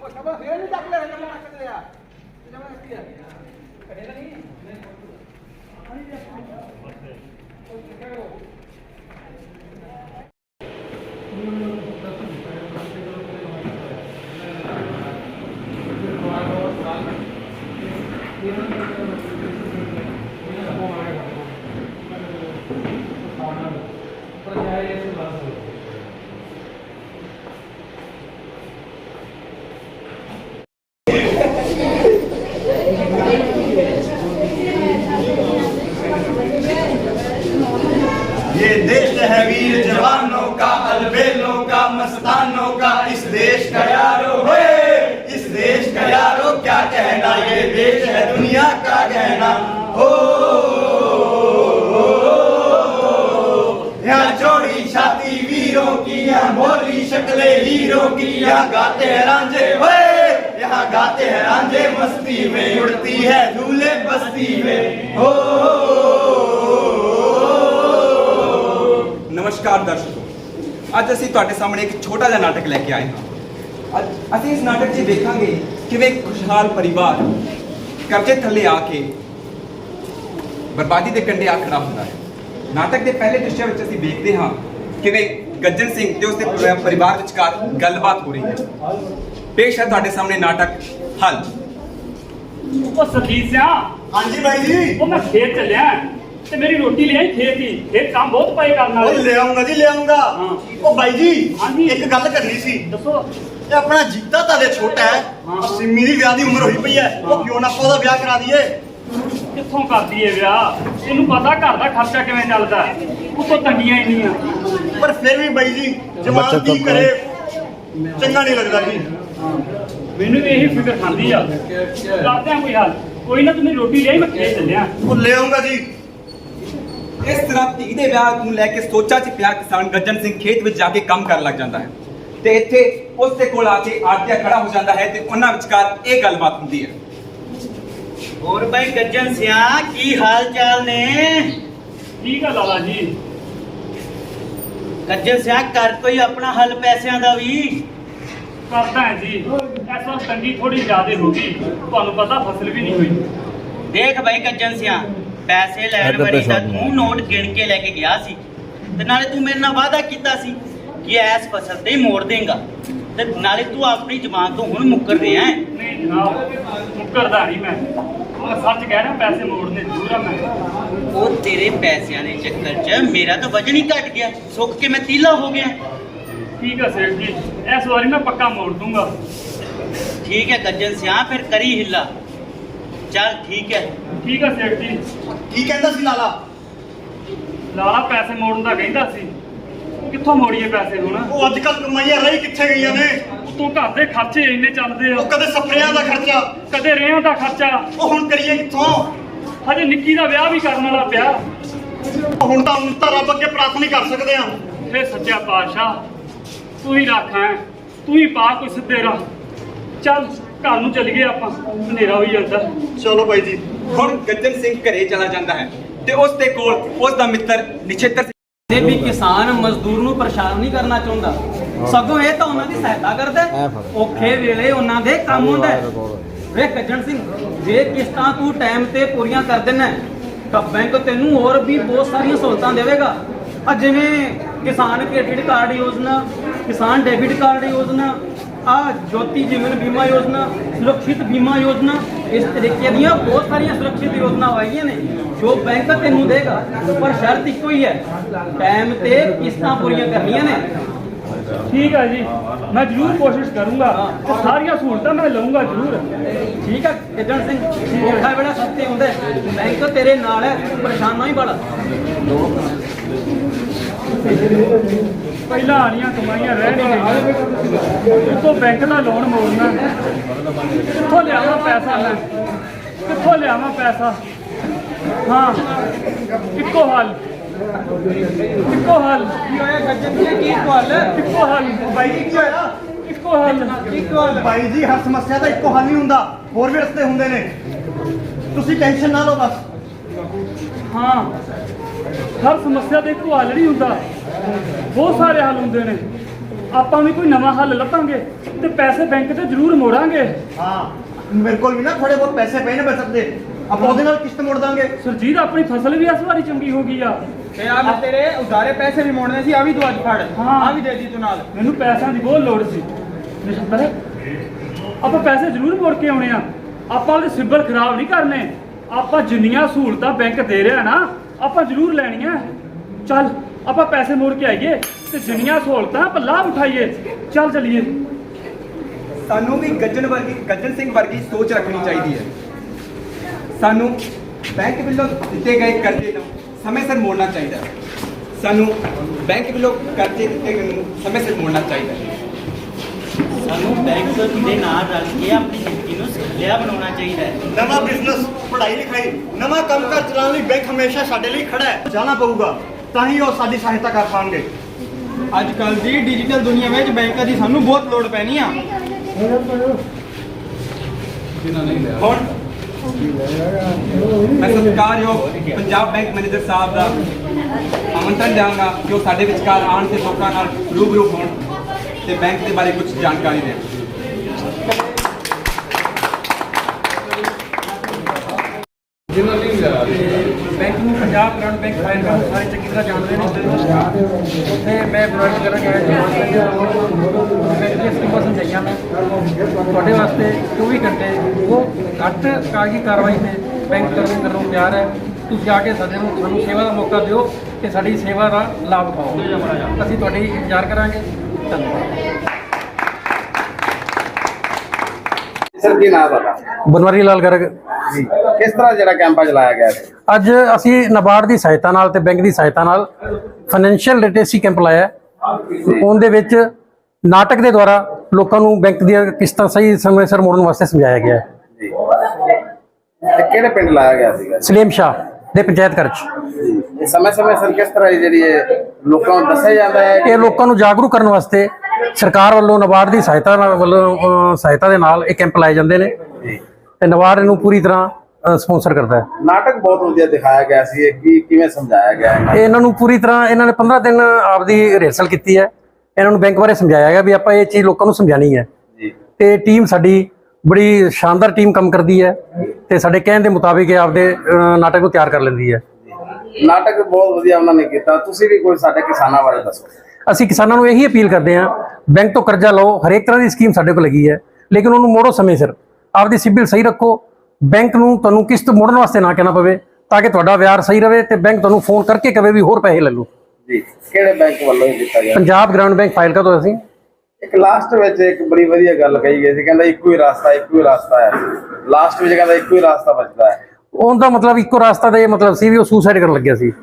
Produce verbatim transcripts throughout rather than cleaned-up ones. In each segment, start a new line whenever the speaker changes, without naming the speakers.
ये देश है वीर जवानों का, अलबेलों का, मस्तानों का, इस देश का यारो है, इस देश का यारो क्या कहना, ये देश है दुनिया का गहना। हो यहाँ चौड़ी छाती वीरों की, यहाँ भोली शक्लें हीरों की, यहाँ गाते हैं रांझे हुए, यहाँ गाते हैं रांझे मस्ती में, उड़ती है धूले बस्ती में। हो
नमस्कार दर्शकों, ਅੱਜ ਅਸੀਂ ਤੁਹਾਡੇ ਸਾਹਮਣੇ ਇੱਕ ਛੋਟਾ ਜਿਹਾ ਨਾਟਕ ਲੈ ਕੇ ਆਏ ਹਾਂ। ਅੱਜ ਅਸੀਂ ਇਸ ਨਾਟਕ 'ਚ ਦੇਖਾਂਗੇ ਕਿਵੇਂ ਇੱਕ ਖੁਸ਼ਹਾਲ ਪਰਿਵਾਰ ਕਰਜ਼ੇ ਥੱਲੇ ਆ ਕੇ ਬਰਬਾਦੀ ਦੇ ਕੰਢੇ ਆ ਖੜਾ ਹੁੰਦਾ ਹੈ। ਨਾਟਕ ਦੇ ਪਹਿਲੇ ਦ੍ਰਿਸ਼ ਵਿੱਚ ਅਸੀਂ ਵੇਖਦੇ ਹਾਂ ਕਿਵੇਂ ਗੱਜਣ ਸਿੰਘ ਤੇ ਉਸਦੇ ਪਰਿਵਾਰ ਵਿਚਕਾਰ ਗੱਲਬਾਤ ਹੋ ਰਹੀ ਹੈ। ਪੇਸ਼ ਹੈ ਤੁਹਾਡੇ ਸਾਹਮਣੇ ਨਾਟਕ ਹਲ।
ਉਹ ਸਰਜੀਤ ਸਿਆ,
ਹਾਂਜੀ ਬਾਈ ਜੀ।
ਉਹ ਮੈਂ ਖੇਤ ਚੱਲਿਆ ਤੇ ਮੇਰੀ ਰੋਟੀ ਲੈ ਆਈ ਖੇਤ ਦੀ। ਖੇਤ ਕੰਮ ਬਹੁਤ ਪਏ ਕਰਨ
ਉਹ
ਵਾਲੇ।
ਲੈ ਆਉਂਗਾ ਜੀ, ਲੈ ਆਉਂਗਾ।
ਹਾਂ।
ਉਹ ਬਾਈ ਜੀ,
ਹਾਂਜੀ।
ਇੱਕ ਗੱਲ ਕਰਨੀ ਸੀ।
ਦੱਸੋ।
ਇਹ ਆਪਣਾ ਜੀਤਾ ਤਾਂ ਦੇ ਛੋਟਾ ਹੈ,
ਹਾਂ।
ਆ ਸਿੰਮੀ ਦੀ ਵਿਆਹ ਦੀ ਉਮਰ ਹੋਈ ਪਈ ਹੈ, ਉਹ ਕਿਉਂ ਨਾ ਆਪਾਂ ਉਹਦਾ ਵਿਆਹ ਕਰਾ ਦਈਏ।
ਕਿੱਥੋਂ ਕਰਦੀ ਏ ਵਿਆਹ? ਇਹਨੂੰ ਪਤਾ ਘਰ ਦਾ ਖਰਚਾ ਕਿਵੇਂ ਚੱਲਦਾ, ਉਤੋਂ ਤੰਗੀਆਂ ਇੰਨੀਆਂ।
ਪਰ ਫਿਰ ਵੀ ਬਾਈ ਜੀ, ਜਵਾਨ ਕੀ ਕਰੇ, ਚੰਗਾ ਨਹੀਂ ਲੱਗਦਾ ਜੀ।
ਮੈਨੂੰ ਵੀ ਇਹੀ ਫਿਕਰ ਖਾਂਦੀ ਆ। ਕਰਦੇ ਆ ਕੋਈ ਹੱਲ। ਕੋਈ ਨਾ, ਤੂੰ ਮੇਰੀ ਰੋਟੀ ਲੈ ਆਈ, ਮੈਂ ਖੇਤ ਚੱਲਿਆ।
ਉਹ ਲੈ ਆਉਂਗਾ ਜੀ।
ਇਸ ਤਰ੍ਹਾਂ ਧੀ ਦੇ ਵਿਆਹ ਨੂੰ ਲੈ ਕੇ ਸੋਚਾਂ 'ਚ ਪਿਆ ਕਿਸਾਨ ਗੱਜਣ ਸਿੰਘ ਖੇਤ ਵਿੱਚ ਜਾ ਕੇ ਕੰਮ ਕਰਨ ਲੱਗ ਜਾਂਦਾ ਹੈ ਤੇ ਇੱਥੇ ਉਸ ਦੇ ਕੋਲ ਆ ਕੇ ਆੜਤੀਆ ਖੜਾ ਹੋ ਜਾਂਦਾ ਹੈ ਤੇ ਉਹਨਾਂ ਵਿਚਕਾਰ ਇਹ ਗੱਲਬਾਤ ਹੁੰਦੀ ਹੈ।
ਹੋਰ ਭਾਈ ਗੱਜਣ ਸਿਆ, ਕੀ ਹਾਲ ਚਾਲ ਨੇ?
ਠੀਕ ਆ ਲਾਲਾ ਜੀ।
ਗੱਜਣ ਸਿਆ, ਕਰ ਕੋਈ ਆਪਣਾ ਹੱਲ ਪੈਸਿਆਂ ਦਾ ਵੀ।
ਕਰਦਾ ਹੈ ਜੀ। ਇਸ ਵਾਰ ਤੰਗੀ ਥੋੜੀ ਜ਼ਿਆਦਾ ਹੋ ਗਈ, ਤੁਹਾਨੂੰ ਪਤਾ ਫਸਲ ਵੀ ਨਹੀਂ ਹੋਈ।
ਦੇਖ ਭਾਈ ਗੱਜਣ ਸਿਆ, ਪੈਸੇ ਲੈਣ ਵਾਰੀ ਤਾਂ ਤੂੰ ਨੋਟ ਗਿਣ ਕੇ ਲੈ ਕੇ ਗਿਆ ਸੀ ਤੇ ਨਾਲੇ ਤੂੰ ਮੇਰੇ ਨਾਲ ਵਾਅਦਾ ਕੀਤਾ ਸੀ ਕਿ ਐਸ ਫਸਲ ਤੇ ਹੀ ਮੋੜ ਦੇਂਗਾ, ਤੇ ਨਾਲੇ ਤੂੰ ਆਪਣੀ ਜ਼ਬਾਨ ਤੋਂ ਹੁਣ ਮੁੱਕਰ ਰਿਹਾ ਹੈ।
ਨਹੀਂ ਜਨਾਬ, ਮੁੱਕਰਦਾ ਨਹੀਂ ਮੈਂ। ਮੈਂ ਸੱਚ ਕਹਿ ਰਿਹਾ, ਪੈਸੇ ਮੋੜਨੇ ਜ਼ਰੂਰ ਆ ਮੈਂ।
ਉਹ ਤੇਰੇ ਪੈਸਿਆਂ ਦੇ ਚੱਕਰ 'ਚ ਮੇਰਾ ਤਾਂ ਵਜਨ ਹੀ ਘਟ ਗਿਆ, ਸੁੱਕ ਕੇ ਮੈਂ ਤੀਲਾ ਹੋ ਗਿਆ।
ਠੀਕ ਹੈ ਸੇਠ ਜੀ, ਇਸ ਵਾਰੀ ਮੈਂ ਪੱਕਾ ਮੋੜ ਦੂੰਗਾ।
ਠੀਕ ਹੈ ਗੱਜਣ ਸਿਆ, ਫਿਰ ਕਰੀ ਹਿੱਲਾ। ਚੱਲ ਠੀਕ ਹੈ।
ਠੀਕ ਹੈ ਸੇਠ ਜੀ।
ਕੀ ਕਹਿੰਦਾ ਸੀ ਲਾਲਾ?
ਲਾਲਾ ਪੈਸੇ ਮੋੜਨ ਦਾ ਕਹਿੰਦਾ ਸੀ। ਕਿੱਥੋਂ ਮੋੜੀਏ ਪੈਸੇ ਹੁਣ?
ਉਹ ਅੱਜ ਕੱਲ ਕਮਾਈਆਂ ਰਹੀ ਕਿੱਥੇ ਗਈਆਂ ਨੇ?
ਤੂੰ ਘਰ ਦੇ ਖਰਚੇ ਇੰਨੇ ਚੱਲਦੇ
ਉਹ
ਆ,
ਕਦੇ ਸਪਰੇਆਂ ਦਾ ਖਰਚਾ,
ਕਦੇ ਰੇਹਾਂ ਦਾ ਖਰਚਾ।
ਉਹ ਹੁਣ ਕਰੀਏ ਕਿੱਥੋਂ?
ਹਜੇ ਨਿੱਕੀ ਦਾ ਵਿਆਹ ਵੀ ਕਰਨ ਵਾਲਾ ਪਿਆ।
ਹੁਣ ਤਾਂ ਹੁਣ ਤਾਂ ਰੱਬ ਅੱਗੇ ਪ੍ਰਾਰਥਨਾ ਹੀ ਕਰ ਸਕਦੇ ਆ।
ਹੇ ਸੱਚਾ ਪਾਤਸ਼ਾਹ, ਤੂੰ ਹੀ ਰੱਖ ਹੈ, ਤੂੰ ਹੀ ਪਾ ਕੋਈ ਸਿੱਧੇ ਰਾਹ। ਚੱਲ ਘਰ ਨੂੰ ਚੱਲੀਏ ਆਪਾਂ, ਹਨੇਰਾ ਹੋਈ ਜਾਂਦਾ।
ਚਲੋ ਬਾਈ ਜੀ।
ਹੁਣ ਗੱਜਣ ਸਿੰਘ ਘਰੇ ਚਲਾ ਜਾਂਦਾ ਹੈ ਤੇ ਉਸ ਦੇ ਕੋਲ ਉਸ ਦਾ ਮਿੱਤਰ ਨਿਛੇਤਰ
ਤੇ ਵੀ ਕਿਸਾਨ ਮਜ਼ਦੂਰ ਨੂੰ ਪਰੇਸ਼ਾਨ ਨਹੀਂ ਕਰਨਾ ਚਾਹੁੰਦਾ, ਸਗੋਂ ਇਹ ਤਾਂ ਉਹਨਾਂ ਦੀ ਸਹਾਇਤਾ ਕਰਦਾ। ਔਖੇ ਵੇਲੇ ਉਹਨਾਂ ਦੇ ਕੰਮ ਹੁੰਦਾ। ਵੇ ਗੱਜਣ ਸਿੰਘ, ਜੇ ਕਿਸ਼ਤਾਂ ਤੂੰ ਟਾਈਮ ਤੇ ਪੂਰੀਆਂ ਕਰ ਦੇਣਾ ਤਾਂ ਬੈਂਕ ਤੈਨੂੰ ਹੋਰ ਵੀ ਬਹੁਤ ਸਾਰੀਆਂ ਸਹੂਲਤਾਂ ਦੇਵੇਗਾ। ਆ ਜਿਵੇਂ ਕਿਸਾਨ ਕ੍ਰੈਡਿਟ ਕਾਰਡ ਯੋਜਨਾ, ਕਿਸਾਨ ਡੈਬਿਟ ਕਾਰਡ ਯੋਜਨਾ, ਆ ਜੋਤੀ ਜੀਵਨ ਬੀਮਾ ਯੋਜਨਾ, ਸੁਰੱਖਿਅਤ ਬੀਮਾ ਯੋਜਨਾ, ਇਸ ਤਰੀਕੇ ਦੀਆਂ ਬਹੁਤ ਸਾਰੀਆਂ ਸੁਰੱਖਿਅਤ ਯੋਜਨਾ ਆਈਆਂ ਨੇ ਜੋ ਬੈਂਕ ਤੈਨੂੰ ਦੇਗਾ। ਪਰ ਸ਼ਰਤ ਇੱਕੋ ਹੀ ਹੈ, ਟਾਈਮ ਤੇ ਕਿਸ਼ਤਾਂ ਪੂਰੀਆਂ ਕਰਨੀਆਂ ਨੇ।
ਠੀਕ ਹੈ ਜੀ, ਮੈਂ ਜ਼ਰੂਰ ਕੋਸ਼ਿਸ਼ ਕਰੂੰਗਾ ਤੇ ਸਾਰੀਆਂ ਸਹੂਲਤਾਂ ਮੈਂ ਲਵਾਂਗਾ ਜ਼ਰੂਰ।
ਠੀਕ ਹੈ ਗੱਜਣ ਸਿੰਘ, ਔਖਾ ਵੇਲਾ ਸੱਤੇ ਹੁੰਦਾ, ਬੈਂਕ ਤੇਰੇ ਨਾਲ ਹੈ, ਪਰੇਸ਼ਾਨ ਨਾ ਹੀ ਬੜਾ।
ਪਹਿਲਾਂ ਆਣੀਆਂ ਕਮਾਈਆਂ ਰਹਿ ਨਹੀਂ ਗਈਆਂ, ਉੱਤੋਂ ਬੈਂਕ ਦਾ ਲੋਨ ਮੋੜਨਾ। ਕਿੱਥੋਂ ਲਿਆਵਾਂ ਪੈਸਾ ਮੈਂ, ਕਿੱਥੋਂ ਲਿਆਵਾਂ ਪੈਸਾ? ਹਾਂ, ਇੱਕੋ ਹੱਲ, ਇੱਕੋ ਹੱਲ।
ਕੀ ਹੋਇਆ ਗੱਜਣ ਸਿੰਘ, ਕੀ ਹੱਲ?
ਇੱਕੋ ਹੱਲ
ਬਾਈ ਜੀ, ਕੀ ਹੋਇਆ?
ਇੱਕੋ ਹੱਲ।
ਇੱਕੋ ਹੱਲ
ਬਾਈ ਜੀ, ਹਰ ਸਮੱਸਿਆ ਦਾ ਇੱਕੋ ਹੱਲ ਨਹੀਂ ਹੁੰਦਾ, ਹੋਰ ਵੀ ਰਸਤੇ ਹੁੰਦੇ ਨੇ। ਤੁਸੀਂ ਟੈਨਸ਼ਨ ਨਾ ਲਓ ਬਸ।
ਹਾਂ, ਹਰ ਸਮੱਸਿਆ ਦਾ ਇੱਕੋ ਹੱਲ ਨਹੀਂ ਹੁੰਦਾ, ਬਹੁਤ ਸਾਰੇ ਹੱਲ ਹੁੰਦੇ ਨੇ। ਆਪਾਂ ਵੀ ਕੋਈ ਨਵਾਂ ਹੱਲ ਲੱਭਾਂਗੇ ਤੇ ਪੈਸੇ ਬੈਂਕ ਤੇ ਜ਼ਰੂਰ ਮੋੜਾਂਗੇ।
ਹਾਂ ਮੇਰੇ ਕੋਲ ਵੀ ਨਾ ਥੋੜੇ ਬਹੁਤ ਪੈਸੇ ਪਏ ਨੇ ਬਚਤ ਦੇ, ਆਪਾਂ ਉਹਦੇ ਨਾਲ ਕਿਸ਼ਤ ਮੋੜ ਦਾਂਗੇ।
ਸੁਰਜੀਤ ਆਪਣੀ ਫਸਲ ਵੀ ਇਸ ਵਾਰੀ ਚੰਗੀ ਹੋ ਗਈ ਆ।
ਤੇ ਆ ਮੈਂ ਤੇਰੇ ਉਧਾਰੇ ਪੈਸੇ ਵੀ ਮੋੜਨੇ ਸੀ, ਆ ਵੀ ਤੂੰ ਅੱਜ ਫੜ।
ਹਾਂ।
ਆ ਵੀ ਦੇ ਦੀ ਤੂੰ ਨਾਲ।
ਮੈਨੂੰ ਪੈਸਿਆਂ ਦੀ ਬਹੁਤ ਲੋੜ ਸੀ ਨਿਸ਼ਤਰ, ਆਪਾਂ ਪੈਸੇ ਜ਼ਰੂਰ ਮੋੜ ਕੇ ਆਉਣੇ ਆ। ਆਪਾਂ ਉਹਦੇ ਸਿਬਲ ਖਰਾਬ ਨਹੀਂ ਕਰਨੇ। ਆਪਾਂ ਜਿੰਨੀਆਂ ਸਹੂਲਤਾਂ ਬੈਂਕ ਦੇ ਰਿਹਾ ਨਾ ਆਪਾਂ ਜ਼ਰੂਰ ਲੈਣੀਆਂ। ਚੱਲ ਆਪਾਂ ਪੈਸੇ ਮੋੜ ਕੇ ਆਈਏ ਤੇ ਜਿੰਨੀਆਂ ਸਹੂਲਤਾਂ ਆਪਾਂ ਲਾਭ ਉਠਾਈਏ। ਚੱਲ ਚਲੀਏ।
ਸਾਨੂੰ ਵੀ ਗੱਜਣ ਵਰਗੀ ਗੱਜਣ ਸਿੰਘ ਵਰਗੀ ਸੋਚ ਰੱਖਣੀ ਚਾਹੀਦੀ ਹੈ। ਸਾਨੂੰ ਬੈਂਕ ਵੱਲੋਂ ਦਿੱਤੇ ਗਏ ਕਰਜ਼ੇ ਨੂੰ ਸਮੇਂ ਸਿਰ ਮੋੜਨਾ ਚਾਹੀਦਾ ਹੈ। ਸਾਨੂੰ ਬੈਂਕ ਵੱਲੋਂ ਕਰਜ਼ੇ ਦਿੱਤੇ ਗਏ ਨੂੰ ਸਮੇਂ ਸਿਰ ਮੋੜਨਾ ਚਾਹੀਦਾ ਹੈ।
ਸਾਨੂੰ ਬੈਂਕ ਦੇ ਨਾਲ ਰਲ ਕੇ ਆਪਣੀ ਜ਼ਿੰਦਗੀ ਨੂੰ ਸੁਖਲਿਆ ਬਣਾਉਣਾ ਚਾਹੀਦਾ ਹੈ।
ਨਵਾਂ ਬਿਜ਼ਨਸ, ਪੜ੍ਹਾਈ ਲਿਖਾਈ, ਨਵਾਂ ਕੰਮ ਕਾਰ ਚਲਾਉਣ ਲਈ ਬੈਂਕ ਹਮੇਸ਼ਾ ਸਾਡੇ ਲਈ ਖੜਾ ਹੈ। ਜਾਣਾ ਪਊਗਾ ਤਾਂ ਹੀ ਉਹ ਸਾਡੀ ਸਹਾਇਤਾ ਕਰ ਪਾਉਣਗੇ।
ਅੱਜ ਕੱਲ ਦੀ ਡਿਜੀਟਲ ਦੁਨੀਆ ਵਿੱਚ ਬੈਂਕਾਂ ਦੀ ਸਾਨੂੰ ਬਹੁਤ ਲੋੜ ਪੈਣੀ ਆ।
ਹੁਣ ਮੈਂ ਸਤਿਕਾਰਯੋਗ ਪੰਜਾਬ ਬੈਂਕ ਮੈਨੇਜਰ ਸਾਹਿਬ ਦਾ ਆਮੰਤਰਣ ਦਿਆਂਗਾ ਕਿ ਉਹ ਸਾਡੇ ਵਿਚਕਾਰ ਆਉਣ ਤੇ ਲੋਕਾਂ ਨਾਲ ਰੂਬਰੂ ਹੋਣ ਤੇ ਬੈਂਕ ਦੇ ਬਾਰੇ ਕੁਝ ਜਾਣਕਾਰੀ ਦੇਣ।
ਬੈਂਕ ਨੂੰ ਪੰਜਾਬ ਗ੍ਰਾਂਟ ਬੈਂਕ ਫਾਈਲ ਦਾ ਸਾਰੇ ਚੰਗੀ ਤਰ੍ਹਾਂ ਜਾਣਦੇ ਨੇ। ਉੱਥੇ ਮੈਂ ਪ੍ਰੋਵਾਈਡ ਕਰਾਂਗਾ ਬੈਂਕ ਦੀਆਂ ਸਕੀਮਾਂ ਸਮਝਾਈਆਂ ਮੈਂ ਤੁਹਾਡੇ ਵਾਸਤੇ ਚੌਵੀ ਘੰਟੇ ਉਹ ਘੱਟ ਕਾਗਜ਼ੀ ਕਾਰਵਾਈ ਤੇ ਬੈਂਕ ਕਰਨ ਕਰਨ ਨੂੰ ਤਿਆਰ ਹੈ। ਤੁਸੀਂ ਆ ਕੇ ਸਾਡੇ ਨੂੰ ਸਾਨੂੰ ਸੇਵਾ ਦਾ ਮੌਕਾ ਦਿਓ ਤੇ ਸਾਡੀ ਸੇਵਾ ਦਾ ਲਾਭ ਉਠਾਓ। ਅਸੀਂ ਤੁਹਾਡੀ ਇੰਤਜ਼ਾਰ ਕਰਾਂਗੇ। ਧੰਨਵਾਦ।
ਸਰ ਕੀ ਨਾਮ ਤੁਹਾਡਾ?
ਬਨਵਾਰੀ ਲਾਲ ਗਰਗ
ਜੀ ਕਿਸ ਤਰ੍ਹਾਂ ਜਿਹੜਾ ਕੈਂਪ ਚਲਾਇਆ ਗਿਆ ਸੀ?
ਅੱਜ ਅਸੀਂ ਨਬਾਰਡ ਦੀ ਸਹਾਇਤਾ ਨਾਲ ਤੇ ਬੈਂਕ ਦੀ ਸਹਾਇਤਾ ਨਾਲ ਫਾਈਨੈਂਸ਼ੀਅਲ ਲਿਟਰੇਸੀ ਕੈਂਪ ਲਾਇਆ। ਉਹਦੇ ਵਿੱਚ ਨਾਟਕ ਦੇ ਦੁਆਰਾ ਲੋਕਾਂ ਨੂੰ ਬੈਂਕ ਦੀਆਂ ਕਿਸ਼ਤਾਂ ਸਹੀ ਸਮੇਂ ਸਿਰ ਮੋੜਨ ਵਾਸਤੇ ਸਮਝਾਇਆ ਗਿਆ ਹੈ।
ਜੀ ਤੇ ਕਿਹੜੇ ਪਿੰਡ ਲਾਇਆ ਗਿਆ ਸੀਗਾ?
ਸਲੀਮ ਸ਼ਾਹ ਦੇ ਪੰਚਾਇਤ ਘਰ 'ਚ।
ਇਹ ਸਮੇਂ ਸਮੇਂ ਸਿਰ ਕਿਸ ਤਰ੍ਹਾਂ ਦੀ ਜਿਹੜੀ ਇਹ ਲੋਕਾਂ ਨੂੰ ਦੱਸਿਆ ਜਾਂਦਾ ਹੈ?
ਇਹ ਲੋਕਾਂ ਨੂੰ ਜਾਗਰੂਕ ਕਰਨ ਵਾਸਤੇ ਸਰਕਾਰ ਵੱਲੋਂ ਨਬਾਰਡ ਦੀ ਸਹਾਇਤਾ ਨਾਲ ਵੱਲੋਂ ਅਹ, ਸਹਾਇਤਾ ਦੇ ਨਾਲ ਇਹ ਕੈਂਪ ਲਾਏ ਜਾਂਦੇ ਨੇ
ਜੀ
ਤੇ ਨਬਾਰਡ ਇਹਨੂੰ ਪੂਰੀ ਤਰ੍ਹਾਂ ਸਪਾਂਸਰ ਕਰਦਾ ਹੈ।
ਨਾਟਕ ਬਹੁਤ ਵਧੀਆ ਦਿਖਾਇਆ ਗਿਆ ਸੀ। ਇਹ ਕੀ ਕਿਵੇਂ ਸਮਝਾਇਆ ਗਿਆ ਹੈ?
ਇਹ ਇਹਨਾਂ ਨੂੰ ਪੂਰੀ ਤਰ੍ਹਾਂ ਇਹਨਾਂ ਨੇ ਪੰਦਰਾਂ ਦਿਨ ਆਪਦੀ ਰਿਹਰਸਲ ਕੀਤੀ ਹੈ। ਇਹਨਾਂ ਨੂੰ ਬੈਂਕ ਬਾਰੇ ਸਮਝਾਇਆ ਗਿਆ ਵੀ ਆਪਾਂ ਇਹ ਚੀਜ਼ ਲੋਕਾਂ ਨੂੰ ਸਮਝਾਣੀ ਹੈ।
ਜੀ
ਤੇ ਟੀਮ ਸਾਡੀ ਬੜੀ ਸ਼ਾਨਦਾਰ ਟੀਮ ਕੰਮ ਕਰਦੀ ਹੈ ਤੇ ਸਾਡੇ ਕਹਿਣ ਦੇ ਮੁਤਾਬਿਕ ਇਹ ਆਪਦੇ ਅਹ, ਨਾਟਕ ਨੂੰ ਤਿਆਰ ਕਰ ਲੈਂਦੀ ਹੈ।
ਨਾਟਕ ਬਹੁਤ ਵਧੀਆ ਉਹਨਾਂ ਨੇ ਕੀਤਾ। ਤੁਸੀਂ ਵੀ ਕੋਈ ਸਾਡੇ ਕਿਸਾਨਾਂ ਬਾਰੇ ਦੱਸੋ।
ਅਸੀਂ ਕਿਸਾਨਾਂ ਨੂੰ ਇਹੀ ਅਪੀਲ ਕਰਦੇ ਹਾਂ, ਬੈਂਕ ਤੋਂ ਕਰਜ਼ਾ ਲਓ, ਹਰੇਕ ਤਰ੍ਹਾਂ ਦੀ ਸਕੀਮ ਸਾਡੇ ਕੋਲ ਲੱਗੀ ਹੈ, ਲੇਕਿਨ ਉਹਨੂੰ ਮੋੜੋ ਸਮੇਂ ਸਿਰ। ਆਪਦੀ ਸਿਬਿਲ ਸਹੀ ਰੱਖੋ। ਬੈਂਕ ਨੂੰ ਤੁਹਾਨੂੰ ਕਿਸ਼ਤ ਮੋੜਨ ਵਾਸਤੇ ਨਾ ਕਹਿਣਾ ਪਵੇ ਤਾਂ ਕਿ ਤੁਹਾਡਾ ਵਿਆਜ ਸਹੀ ਰਵੇ ਤੇ ਬੈਂਕ ਤੁਹਾਨੂੰ ਫੋਨ ਕਰਕੇ ਕਵੇ ਵੀ ਹੋਰ ਪੈਸੇ ਲੈ ਲਓ।
ਜੀ ਕਿਹੜੇ ਬੈਂਕ ਵੱਲੋਂ ਇਹ ਕੀਤਾ ਗਿਆ?
ਪੰਜਾਬ ਗ੍ਰਾਂਟ ਬੈਂਕ ਫਾਈਲ ਕਾ ਤੋਂ ਅਸੀਂ
ਇੱਕ ਲਾਸਟ ਵਿੱਚ ਇੱਕ ਬੜੀ ਵਧੀਆ ਗੱਲ ਕਹੀ ਗਈ ਸੀ, ਕਹਿੰਦਾ ਇੱਕੋ ਹੀ ਰਸਤਾ ਇੱਕੋ ਹੀ ਰਸਤਾ ਹੈ। ਲਾਸਟ ਵਿੱਚ ਕਹਿੰਦਾ ਇੱਕੋ ਹੀ ਰਸਤਾ ਬਚਦਾ ਹੈ।
ਉਹਦਾ ਮਤਲਬ ਇੱਕੋ ਰਸਤਾ ਦਾ ਇਹ ਮਤਲਬ ਸੀ ਵੀ ਉਹ ਸੁਸਾਈਡ ਕਰਨ ਲੱਗਿਆ ਸੀ।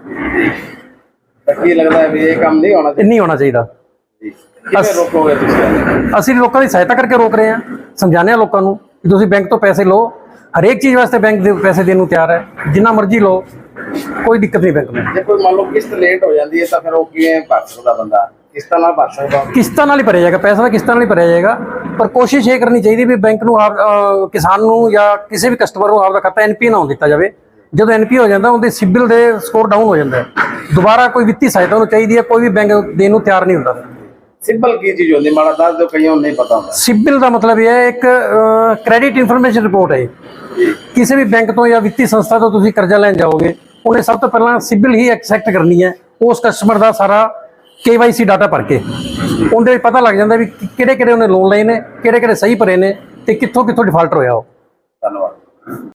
ਤਾਂ ਕੀ ਲੱਗਦਾ ਹੈ ਵੀ ਇਹ ਕੰਮ ਨਹੀਂ ਹੋਣਾ
ਇਹ
ਚਾਹੀਦਾ?
ਨਹੀਂ ਹੋਣਾ ਚਾਹੀਦਾ।
ਜੀ ਕਿਵੇਂ ਰੋਕੋਗੇ ਤੁਸੀਂ?
ਅਸੀਂ ਲੋਕਾਂ ਦੀ ਸਹਾਇਤਾ ਕਰਕੇ ਰੋਕ ਰਹੇ ਹਾਂ, ਸਮਝਾਉਂਦੇ ਹਾਂ ਲੋਕਾਂ ਨੂੰ ਕਿ ਤੁਸੀਂ ਬੈਂਕ ਤੋਂ ਪੈਸੇ ਲਓ। ਹਰੇਕ ਚੀਜ਼ ਵਾਸਤੇ ਬੈਂਕ ਦੇ ਪੈਸੇ ਦੇਣ ਨੂੰ ਤਿਆਰ ਹੈ, ਜਿੰਨਾ ਮਰਜ਼ੀ ਲਓ, ਕੋਈ ਦਿੱਕਤ ਨਹੀਂ ਬੈਂਕ ਨੂੰ।
ਜੇ ਕੋਈ ਮੰਨ ਲਓ ਕਿਸ਼ਤ ਲੇਟ ਹੋ ਜਾਂਦੀ ਹੈ ਤਾਂ ਫਿਰ ਉਹ ਕਿਵੇਂ ਭਰ ਸਕਦਾ ਬੰਦਾ? ਕਿਸ਼ਤਾਂ ਨਾਲ ਭਰ ਸਕਦਾ?
ਕਿਸ਼ਤਾਂ ਨਾਲ ਹੀ ਭਰਿਆ ਜਾਏਗਾ, ਪੈਸਾ ਤਾਂ ਕਿਸ਼ਤਾਂ ਨਾਲ ਹੀ ਭਰਿਆ ਜਾਏਗਾ। ਪਰ ਕੋਸ਼ਿਸ਼ ਇਹ ਕਰਨੀ ਚਾਹੀਦੀ ਵੀ ਬੈਂਕ ਨੂੰ ਆਪ ਅਹ, ਕਿਸਾਨ ਨੂੰ ਜਾਂ ਕਿਸੇ ਵੀ ਕਸਟਮਰ ਨੂੰ ਆਪਦਾ ਖਾਤਾ ਐਨ ਪੀ ਨਾ ਹੋਣ ਦਿੱਤਾ ਜਾਵੇ। ਜਦੋਂ ਐਨ ਪੀ ਹੋ ਜਾਂਦਾ ਉਹਦੇ ਸਿਬਿਲ ਦੇ ਸਕੋਰ ਡਾਊਨ ਹੋ ਜਾਂਦਾ ਹੈ। ਦੁਬਾਰਾ ਕੋਈ ਵਿੱਤੀ ਸਹਾਇਤਾ ਉਹਨੂੰ ਚਾਹੀਦੀ ਹੈ, ਕੋਈ ਵੀ ਬੈਂਕ ਦੇਣ ਨੂੰ ਤਿਆਰ ਨਹੀਂ ਹੁੰਦਾ।
ਸਿੰਪਲ ਕੀ ਚੀਜ਼ ਹੁੰਦੀ ਮਾੜਾ ਦੱਸ ਦਿਓ, ਕਈਆਂ ਨੂੰ ਨਹੀਂ ਪਤਾ ਹੁੰਦਾ।
ਸਿਬਿਲ ਦਾ ਮਤਲਬ ਇਹ ਹੈ ਇੱਕ ਕ੍ਰੈਡਿਟ ਇਨਫੋਰਮੇਸ਼ਨ ਰਿਪੋਰਟ ਹੈ। ਕਿਸੇ ਵੀ ਬੈਂਕ ਤੋਂ ਜਾਂ ਵਿੱਤੀ ਸੰਸਥਾ ਤੋਂ ਤੁਸੀਂ ਕਰਜ਼ਾ ਲੈਣ ਜਾਓਗੇ, ਉਹਨੇ ਸਭ ਤੋਂ ਪਹਿਲਾਂ ਸਿਬਿਲ ਹੀ ਐਕਸੈਪਟ ਕਰਨੀ ਹੈ। ਉਸ ਕਸਟਮਰ ਦਾ ਸਾਰਾ ਕੇ ਵਾਈ ਸੀ ਡਾਟਾ ਭਰ ਕੇ ਉਹਦੇ ਵਿੱਚ ਪਤਾ ਲੱਗ ਜਾਂਦਾ ਵੀ ਕਿਹੜੇ ਕਿਹੜੇ ਉਹਨੇ ਲੋਨ ਲਏ ਨੇ, ਕਿਹੜੇ ਕਿਹੜੇ ਸਹੀ ਭਰੇ ਨੇ ਤੇ ਕਿੱਥੋਂ ਕਿੱਥੋਂ ਡਿਫਾਲਟਰ ਹੋਇਆ ਉਹ।
ਧੰਨਵਾਦ।